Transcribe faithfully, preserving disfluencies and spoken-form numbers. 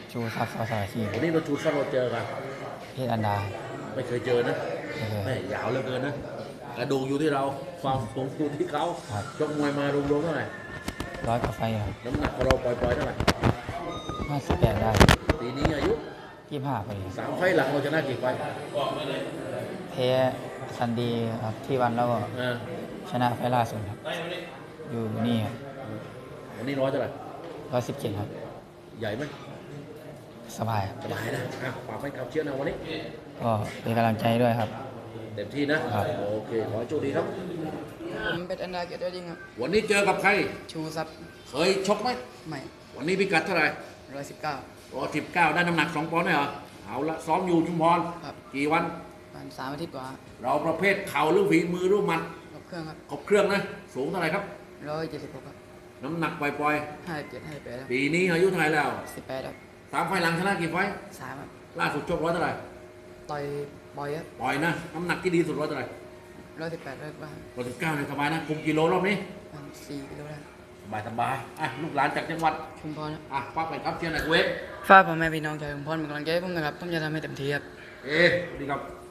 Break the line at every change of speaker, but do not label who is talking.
ชูทรัพย์สอสารชี
วันนี้เราชูซับเราเจอกัน
เพชรอันดา
ไม่เคยเจอนะ
ไม่เคย
แม่ยาวเหลือเกินนะกระดูกอยู่ที่เราความสูงอยู่ที่เขา
ครับ
ชกมวยมารวมๆเท่าไหร่
ร้อยกว่าไฟครับ
น้ำหนักของเราปล่อยๆเท่าไหร่
ห้าสิบแปดได้
ปีนี้อายุ
ยี่สิบห้าพอดี
สามไฟล์หลังเราชนะกี่ไฟล์
แพ้ซันดีครับที่วันแล้วก็
เออ
ชนะไฟล์ล่าสุดครับอยู่นี่ครับ
วันนี้ร้อยเท่าไหร่
ร้อยสิบเจ็ดครับ
ใหญ่ไหม
สบายครับ
สบายนะอ่ะฝากให้ขับเชียร์นะวันนี้
ก็เป็นกำลังใจด้วยครับ
เต็มที่นะครับ โอเคขอให้โชคดีครับ
ผมเป็นอันดาเกียรติยอดยิ่งครับ
วันนี้เจอกับใคร
ชูซับ
เคยชกไหม
ใหม่
วันนี้พิกัดเท่าไหร่
ร้อยสิบเก้า
ร้อยสิบเก้าได้น้ำหนักสองปอนด์ได้เหรอเอาละซ้อมอยู่ชุมพร
ครับ
กี่วัน
ประมาณสามอาทิตย์กว่า
เราประเภทเข่าหรือฝีมือหรือหมัด
ครบเครื่องครับ
ครบเครื่องนะ สูงเท่าไหร่ครับ
ร้อยเจ็ดสิบหกครับ
น้ำหนักปล่อย
ห้าสิบเจ็ดห้าสิบแปดครับ
ๆ ปีนี้อายุเท่าไหร่แล้ว
สิบแปดครับ
สามไฟล์หลังชนะกี่ไฟล์
สามครับ
ล่าสุดชกร้อยเท่าไหร่
ต่อยบอยครับ
ปล่อยนะ น้ำหนักที่ดีสุดร้อยเท่าไหร่
ร้อยสิบแปดร้อยบ้าง
ร้อยสิบเก้าเนี่ยสบายนะ คุมกิโลรอบนี้
ประมาณสี่กิโลได้
สบายสบายอ่ะลูกหลานจากจังหวัด
ชุมพรครับ
อ่ะป้าไปครับเชียร์หน่อยเวฟ
ฝากพ่อแม่พี่น้องชาวชุมพรเป็นกำลังใจให้ผมนะครับผมจะทำให้เต็มที่ครับ
เอ๊ะดีครับ